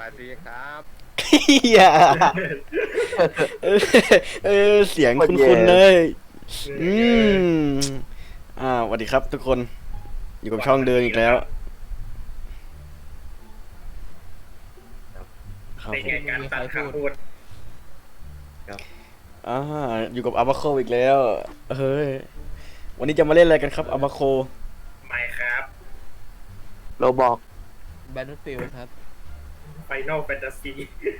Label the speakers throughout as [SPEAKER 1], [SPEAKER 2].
[SPEAKER 1] สดีครับ
[SPEAKER 2] เฮียเสียงคุ้นๆเลย อืมสวัสดีครับทุกคน อยู่กับช่องเดินอีกแล้ว ครับ
[SPEAKER 3] ใน
[SPEAKER 2] ผม
[SPEAKER 3] แง่การตัดคำพูด
[SPEAKER 2] อ่าอยู่กับอาบาโคอีกแล้ว เฮ้ย วันนี้จะมาเล่นอะไรกันครับอาบาโค
[SPEAKER 3] ไม่ครับ
[SPEAKER 4] โรบอก
[SPEAKER 5] Battlefield ครับ
[SPEAKER 3] Final Fantasy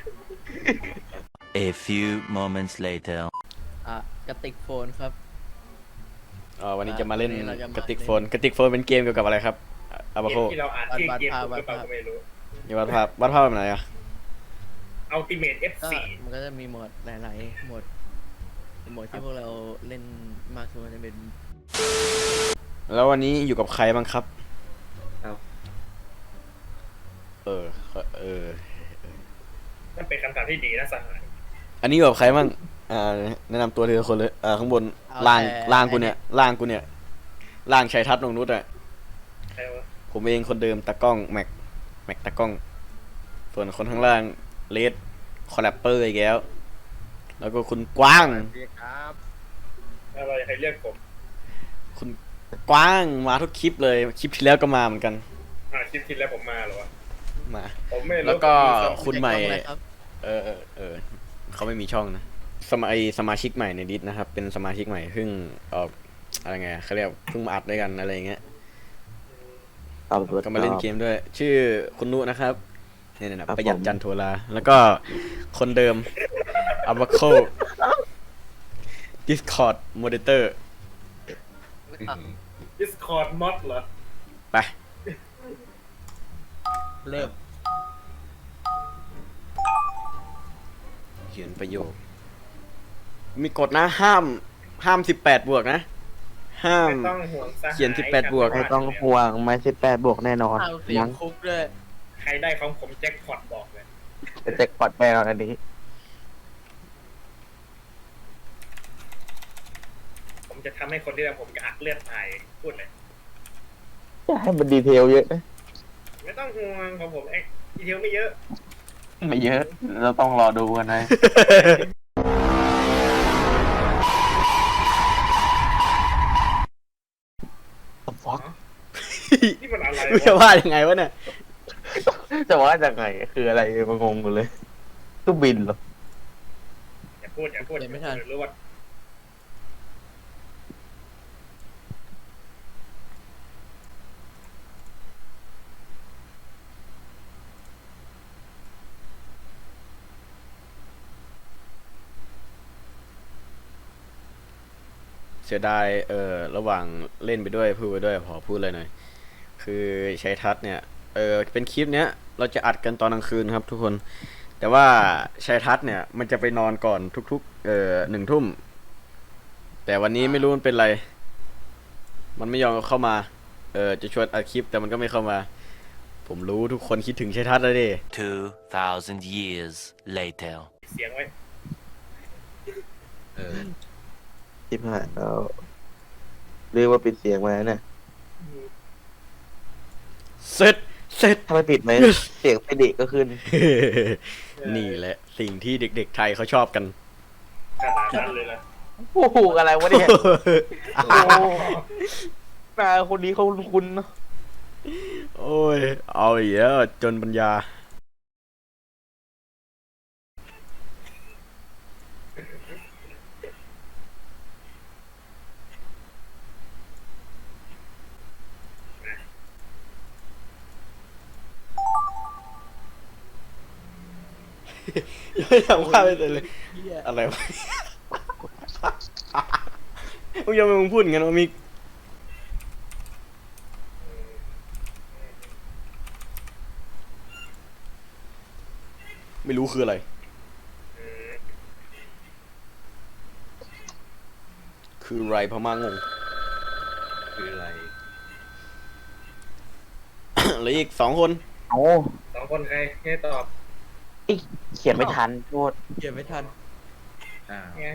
[SPEAKER 6] A few moments later.
[SPEAKER 5] กระติกโฟนครับ
[SPEAKER 2] วันนี้จะมาเล่น
[SPEAKER 5] วันนี้เราจะมาก
[SPEAKER 2] ระติกโฟนเป็นเกมเกี่ยวกับอะไรครับอาบา
[SPEAKER 3] เก
[SPEAKER 2] โค
[SPEAKER 3] มที่เราอ่านชื่อเกมถูกหรือเปล่าก็ไม่รู้
[SPEAKER 2] อย่าวาดภาพแบบไหนอะ
[SPEAKER 3] Ultimate
[SPEAKER 5] ก็
[SPEAKER 3] F4
[SPEAKER 5] มันก็จะมีโหมดหลายๆโหมดที่พวกเราเล่นมากสุดมันจะเป็น
[SPEAKER 2] แล้ววันนี้อยู่กับใครบ้างครับ
[SPEAKER 4] ครับ
[SPEAKER 2] เออ
[SPEAKER 3] นั่นเป็นคำถามที่ดีนะสหาย
[SPEAKER 2] อันนี้อยู่กับใครบ้างแนะนำตัวทีละคนเลยข้างบนล่างกูเนี่ยล่างชัยทัศน์นงนุชอะ
[SPEAKER 3] ใครวะ
[SPEAKER 2] ผมเองคนเดิมตากล้องแม็กตากล้อง ส่วนคนข้างล่างเลดคอลแลปเปอร์อีกแล้วก็คุณกว้าง
[SPEAKER 1] สวัสดีครับ
[SPEAKER 3] อะไรใครเรียกผม
[SPEAKER 2] คุณกว้างมาทุกคลิปเลยคลิปที่แล้วก็มาเหมือนกัน
[SPEAKER 3] คลิปที่แล้วผมมาเหรอวะ
[SPEAKER 2] มา
[SPEAKER 3] ผมไม่รู้
[SPEAKER 2] แล้วก็
[SPEAKER 3] ผม
[SPEAKER 2] คุณใหม่
[SPEAKER 5] อะไรครับ
[SPEAKER 2] เขาไม่มีช่องนะสมาชิกใหม่ในดิสนะครับ เป็นสมาชิกใหม่เพิ่งอะไรไงเขาเรียกเพิ่งมาอัดด้วยกันอะไรอย่างเงี้ย ก็มาเล่นเกมด้วย ชื่อคุณนุนะครับเนี่ยนะประหยัดจันโทราแล้วก็คนเดิมอาบาโค Discord Moderator
[SPEAKER 3] ดิสคอร์ดมอดเหรอ
[SPEAKER 2] ไป
[SPEAKER 5] เริ่ม
[SPEAKER 2] เขียนประโยค มีกฎนะห้าม18 บวกนะ ห้าม
[SPEAKER 3] ไม่ต้องห่วงสหาย
[SPEAKER 2] เขียน18บวก
[SPEAKER 4] ไม่ต้องห่วงไม่18 บวกแน่นอน
[SPEAKER 5] เอาเสียงคุกด้วย
[SPEAKER 3] ใครได้ของผมแจ็คพอตบอกเลย
[SPEAKER 4] จะแจ็คพอตแน่นอนอันนี้
[SPEAKER 3] ผมจะทำให้คนที่ได้ผมกระอักเลือดตายพูดเลย
[SPEAKER 4] จะให้มันดีเทลเยอะนะ
[SPEAKER 3] ไม่ต้องห่วงของผมดีเทลไม่เยอะ
[SPEAKER 4] ไม่เยอะ เราต้องรอดูกันนะ ฟัก
[SPEAKER 3] นี่มันอะไร
[SPEAKER 2] ไม่จะ
[SPEAKER 3] วะ
[SPEAKER 2] ว่ายังไงวะเนี่ย
[SPEAKER 4] จะว่าจากไงคืออะไรมางงกันเลยตู้บินเหรอ
[SPEAKER 3] อย่าพูดเดี๋ยวรู้ว่า
[SPEAKER 2] เสียดายระหว่างเล่นไปด้วยพูดไปด้วยขอพูดเลยหน่อย คือใช้ทัศน์เนี่ยเป็นคลิปเนี้ยเราจะอัดกันตอนกลางคืนครับทุกคน แต่ว่าชัยทัศน์เนี่ยมันจะไปนอนก่อนทุกๆ1 ทุ่ม แต่วันนี้ไม่รู้มันเป็นไร มันไม่ยอมเข้ามาจะชวนอัดคลิปแต่มันก็ไม่เข้ามา ผมรู้ทุกคนคิดถึงชัยทัศน์แล้วดิ
[SPEAKER 6] 2,000 years later.
[SPEAKER 3] เสียงไว้
[SPEAKER 4] ทิพหายแล้วเรียกว่าปิดเสียงมาเนี่ย
[SPEAKER 2] เสร็จ
[SPEAKER 4] ถ้าไม่ปิดไหม เสียงไปเด็กก็ขึ้น
[SPEAKER 2] นี่แหละสิ่งที่เด็กๆไทยเขาชอบกัน
[SPEAKER 3] ขนาดนั้นเลยนะ
[SPEAKER 4] โอ้โหอะไรวะเนี่ยโอ้นาคนนี้เขาคุ้นๆเนอะ
[SPEAKER 2] โอ้ยเอาอีกแล้วจนปัญญา ยังไม่ทำว่าไปเลย อะไรวะ มึงยังมึงพูดอย่างนั้นวะมิกไม่รู้คืออะไร คืออะไรพม่างง
[SPEAKER 4] คืออะไร
[SPEAKER 2] เหลืออีก2 คน
[SPEAKER 4] โอ้
[SPEAKER 3] 2 คนใครให้ตอบ
[SPEAKER 4] เขียนไม่ทันโทษ
[SPEAKER 5] เก็บไม่ทัน
[SPEAKER 3] ง่าย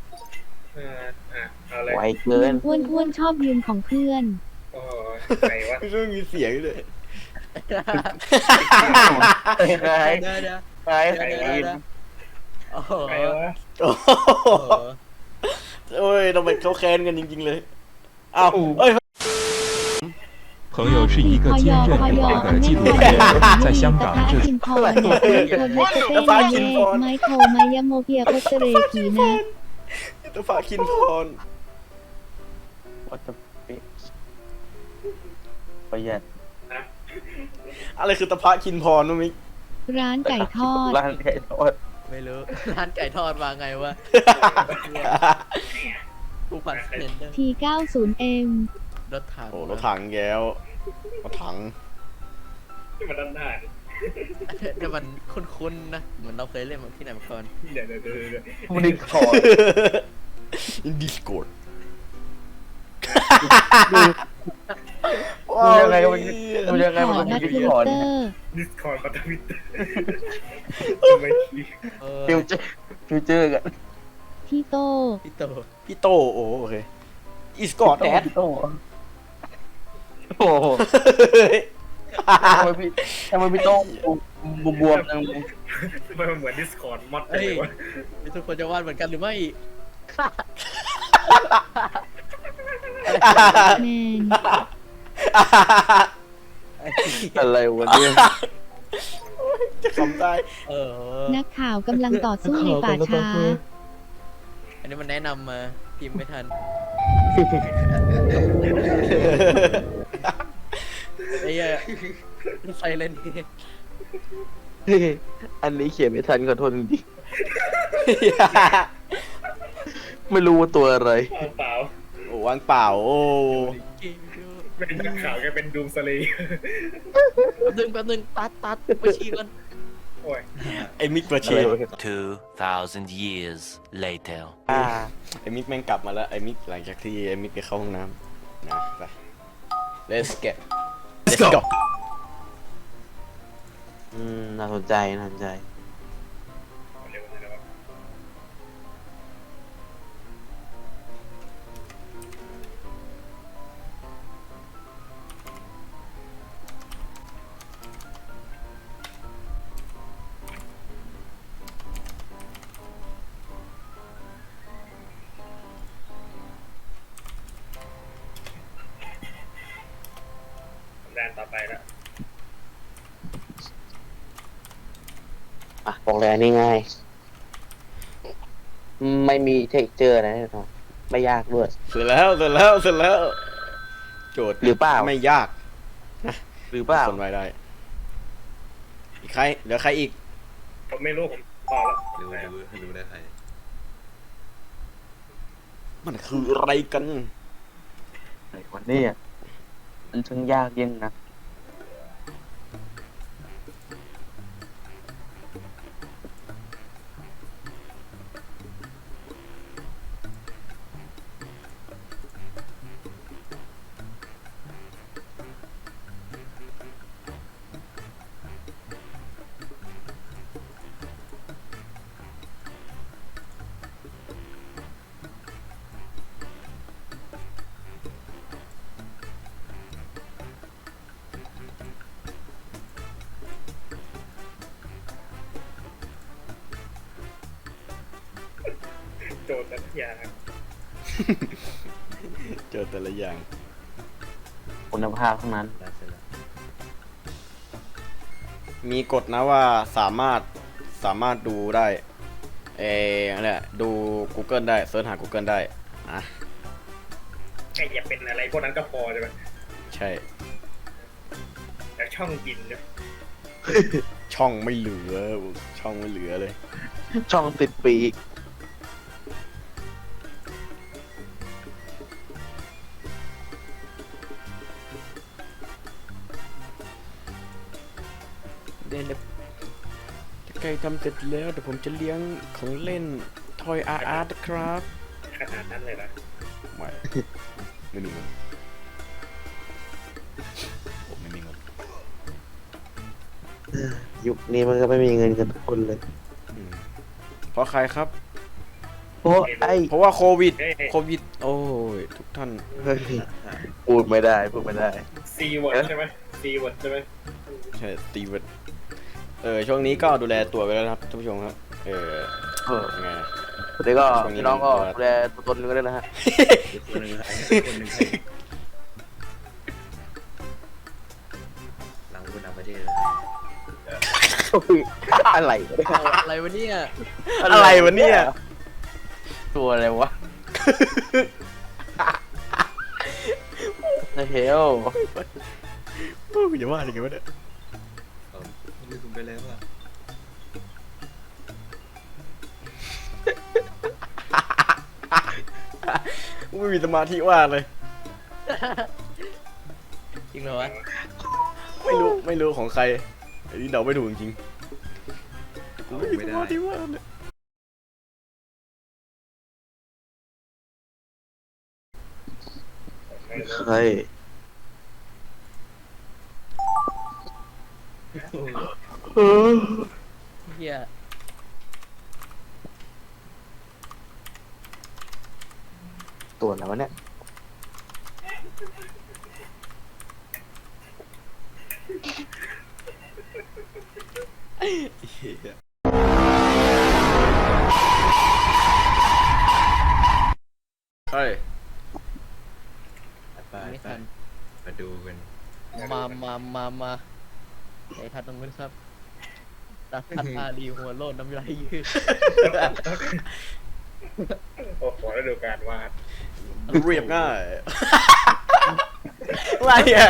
[SPEAKER 3] เอาเลย
[SPEAKER 4] ไวเกิน
[SPEAKER 7] อ้วนชอบยืมของเพื่อน
[SPEAKER 3] โอ้ใครวะ
[SPEAKER 2] ไม่ต้องมีเสียงเลย
[SPEAKER 4] ใคร
[SPEAKER 5] เดี๋ยวเดี๋ยว
[SPEAKER 4] ใครใคร
[SPEAKER 5] โอ้โห
[SPEAKER 3] ใครวะ
[SPEAKER 2] โอ้โห
[SPEAKER 5] โอ้โห
[SPEAKER 2] โอ้ยทำไมเขาแค้นกันจริงๆเลยอ้าวเอ้ย
[SPEAKER 1] 朋友是一个坚韧不拔的纪录片，在香港这
[SPEAKER 7] คินพอเนี่ยคนเล็กเต้นเย่ไมโครมายาโมเปียโคเตเรกีนะ
[SPEAKER 2] ตัวฝาคินพร
[SPEAKER 4] วัตถุประหยัด
[SPEAKER 2] อะไรคือตะพะคินพรนุ้มิก
[SPEAKER 7] ร้านไก่ทอด
[SPEAKER 4] ร้านไก่ทอด
[SPEAKER 5] ไม่รู้ ร้านไก่ทอดมาไงวะกูปั่นเห็นเด้อ
[SPEAKER 7] T90M
[SPEAKER 5] รถถัง
[SPEAKER 2] โอ้รถถังแก้วรถถัง
[SPEAKER 3] ที่มาด้านหน้าดิ
[SPEAKER 5] เดี๋ยวมันคุ้นๆนะ เหมือนเราเคยเล่นมาที่ไหนมาก่อน
[SPEAKER 3] เดี๋ยว
[SPEAKER 4] มันดิคอร์ด
[SPEAKER 2] อินดิสโกด
[SPEAKER 4] ดูยังไงมันดูยังไง
[SPEAKER 7] ข
[SPEAKER 4] มัน
[SPEAKER 7] อ
[SPEAKER 4] ก็
[SPEAKER 7] นั
[SPEAKER 4] มี
[SPEAKER 7] ด
[SPEAKER 4] ดิ
[SPEAKER 7] ท
[SPEAKER 4] คอร์ด
[SPEAKER 7] วิตเตอร์
[SPEAKER 3] ดิสคอร์ดปัตวิตไม่คิด
[SPEAKER 5] เออ
[SPEAKER 4] ฟิวเจอร์กัน
[SPEAKER 7] พี่โต
[SPEAKER 5] พี่โต
[SPEAKER 2] พี่โตโอ้โอเคอีสกอตแดด
[SPEAKER 4] โอ้โหทำไมพี่โต้บวมจังเลย
[SPEAKER 3] มันเหมือนดิสคอร์ดมอดเล
[SPEAKER 5] เฮ้ย
[SPEAKER 3] ยวะ
[SPEAKER 5] นี่ทุกคนจะวาดเหมือนกันหรือไม่
[SPEAKER 7] แมน
[SPEAKER 4] อะไรวะเนี่ย
[SPEAKER 2] จะขำได้
[SPEAKER 5] เออ
[SPEAKER 7] นักข่าวกำลังต่อสู้ในป่าช้า
[SPEAKER 5] อันนี้มันแนะนำมาพิมพ์ไม่ทันไอ้เหี้ยไซเลนนี่
[SPEAKER 4] อันนี้เขียนไม่ทันขอโทษจริงๆไม่รู้ว่าตัวอะไร
[SPEAKER 3] เปล่า
[SPEAKER 2] โอ้วางเปล่าโอ้
[SPEAKER 3] เป็นนักข่าวแกเป็นดูมสลี
[SPEAKER 5] แป๊บนึงตัดไปชี้กัน
[SPEAKER 3] โอ้ย
[SPEAKER 2] ไอ้มิกเปอร์เชน
[SPEAKER 6] 2,000 years later.
[SPEAKER 2] ไอ้มิกแม่งกลับมาแล้วไอ้มิกหลังจากที่ไอ้มิกไปเข้าห้องน้ำนะไป let's go
[SPEAKER 4] น่าสนใจน่าสนใจ
[SPEAKER 3] เร็วเลยวะ แดนต่อไปแล้ว
[SPEAKER 4] บอกเลยอันนี้ง่าย ไม่มีเทคเจอร์นะแน่นอนไม่ยากด้วย
[SPEAKER 2] เสร็จแล้วโจทย์
[SPEAKER 4] หรือเปล่า
[SPEAKER 2] ไม่ยาก
[SPEAKER 4] หรือเปล่า
[SPEAKER 2] คนไว้ได้อีกใครเหลือใครอีก
[SPEAKER 3] ผมไม่รู้ผมตอบแล้ว
[SPEAKER 1] รู้ได้ใคร
[SPEAKER 2] มันคืออะไรกัน
[SPEAKER 4] ไอ้คนนี้มันช่างยากยิ่งนะ
[SPEAKER 3] โจทย์แต่ละอย่าง
[SPEAKER 2] เจอแต่ละอย่าง
[SPEAKER 4] คุณภาพทั้งนั้น
[SPEAKER 2] มีกฎนะว่าสามารถดูได้อะไรอะดู Google ได้เสิร์ชหา Google ได้อ่ะ
[SPEAKER 3] แค่อย่าเป็นอะไรพวกนั้นก็พอใช่ไหม
[SPEAKER 2] ใช่
[SPEAKER 3] แต่ช่องกินเนี่ย
[SPEAKER 2] ช่องไม่เหลือเลย
[SPEAKER 4] ช่องติดปีก
[SPEAKER 2] ใกล้ทำเสร็จแล้วเดี๋ยวผมจะเลี้ยงของเล่นทอยอาร์ตนะครับ
[SPEAKER 3] ขนาดนั้นเลยนะ
[SPEAKER 2] ไม่มีเงินผมไม่มีเงิน
[SPEAKER 4] ยุคนี้มันก็ไม่มีเงินกันทุกคนเลย
[SPEAKER 2] เพราะใครครับ
[SPEAKER 4] โอ้ไอ้
[SPEAKER 2] เพราะว่าโควิด โอ้ยทุกท่าน
[SPEAKER 4] เฮ้ยพูดไม่ได้
[SPEAKER 3] ซีเวิร์ดใช่ไหมซีเวิร์ดใช่ไหม
[SPEAKER 2] ใช่ตีเวทช่วงนี้ก็ดูแลตัวไปแล้วนะครับท่านผู้ชมครับ
[SPEAKER 4] เออ
[SPEAKER 2] ยังไง
[SPEAKER 4] สวัสดีก็
[SPEAKER 2] ช่วงนี้
[SPEAKER 4] พี่น้องก็ดูแลตัวตนกันด้วยนะฮะ
[SPEAKER 5] คนหนึ่งใครคนหนึ่งใครหลังคุณต่างประเทศ
[SPEAKER 4] อะไร
[SPEAKER 5] อะไรวะเนี่ย
[SPEAKER 2] อะไรวะเนี่ย
[SPEAKER 4] ตัวอะไรวะเฮล
[SPEAKER 2] อย่าว่าอย่างงี้วะเนี่ย
[SPEAKER 5] ลืมคุณไปแล้วอ่ะ
[SPEAKER 2] ไม่มีสมาธิว่าเลย
[SPEAKER 5] จริงเหรอวะ
[SPEAKER 2] ไม่รู้ของใครอันนี้เดาไม่ถูกจริงๆกูไม่มีสมาธิว่าเลย
[SPEAKER 4] เฮ้ย
[SPEAKER 5] เฮีย
[SPEAKER 4] ตัวอะไรวะเนี่ย
[SPEAKER 2] ใช่
[SPEAKER 5] ไม่ทัน
[SPEAKER 1] มาดูกัน
[SPEAKER 5] มาไอ้ทัดตรงนู้นครับตัดทัดอารีหัวโลดน้ำลายยืด
[SPEAKER 3] โอ้โหแล้วดูการวาด
[SPEAKER 2] เรียบง่ายอะไรอ่ะ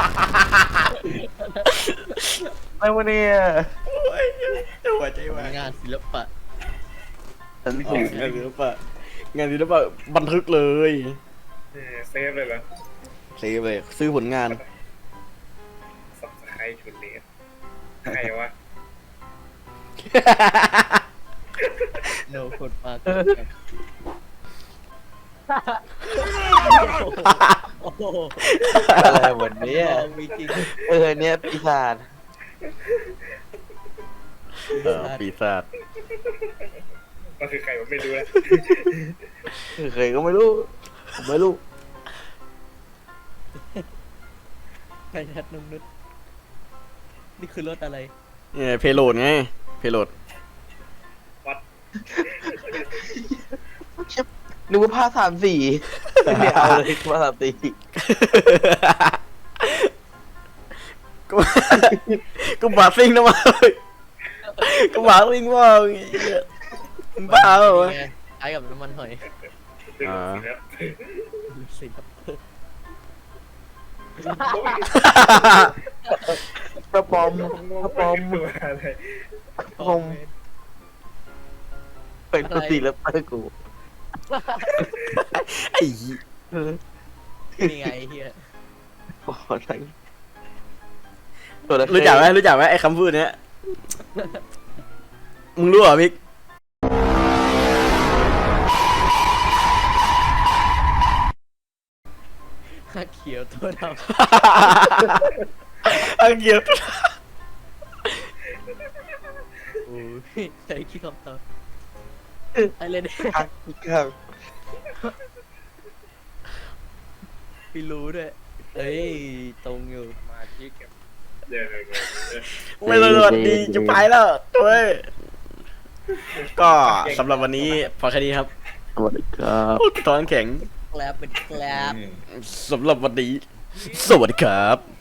[SPEAKER 4] อะไรวะเนี่ย
[SPEAKER 2] หัวใจวาย
[SPEAKER 5] งานศิลปะ
[SPEAKER 4] ฉันถูก
[SPEAKER 2] งานศิลปะบันทึกเลย
[SPEAKER 3] เซฟเลยเหรอ
[SPEAKER 2] เซฟเลยซื้อผลงาน
[SPEAKER 3] สับสไครต์ชุดเลสใครวะ
[SPEAKER 5] โนคนมากโอ้โห
[SPEAKER 4] อะไรวันนี้
[SPEAKER 5] มีจริง
[SPEAKER 4] เนี่ยปีศาจ
[SPEAKER 2] ปีศาจ
[SPEAKER 3] ก็คือใครผมไม่รู้แล้ว
[SPEAKER 4] เคยก็ไม่รู้ผมไม่รู้
[SPEAKER 5] ไอ้ทัดนุ่มนุษนี่คือรถอะไร
[SPEAKER 2] เนี่ยเพโลดไงเพโลด
[SPEAKER 4] นึกว่าผ้า3 สีเนี่ยเอาเลยผ้า3 สี
[SPEAKER 2] กูบาซิงนะมากูบาซิงว่ามึงบ้าเหรอวะ
[SPEAKER 5] ไงคล้ายกับน้ำมันหอย
[SPEAKER 2] อ่า
[SPEAKER 5] สิครับ
[SPEAKER 4] กระปอมกระปอม
[SPEAKER 3] ตัวอะไร
[SPEAKER 4] ผม เป็นตัวสีแล้วเตอร์กู
[SPEAKER 2] ไอ้เหี้ย
[SPEAKER 5] นี่ไงเฮีย
[SPEAKER 4] โอ้ทั้งตัวละ
[SPEAKER 2] รู้จักไหมไอ้คำพูดเนี้ยมึงรู้เหรอมิก
[SPEAKER 5] ข้าเขียวตัวดำ
[SPEAKER 2] อังเกียบ
[SPEAKER 5] โอ้ยใส่ขี้คำตอบอะไรเนี่ย
[SPEAKER 4] ครับ
[SPEAKER 5] พี่รู้ด้วยเอ้ยตรงอยู่
[SPEAKER 3] มาที่เก็บเดี๋ยว
[SPEAKER 2] ไม่รู้สวัสดีจะไปแล้วตัวเอ้ยก็สำหรับวันนี้พอแค่นี้ครับ
[SPEAKER 4] สวัสดีครับ
[SPEAKER 2] ตอนแข็ง
[SPEAKER 5] แกลบเป็นแกลบ
[SPEAKER 2] สำหรับวันนี้สวัสดีครับ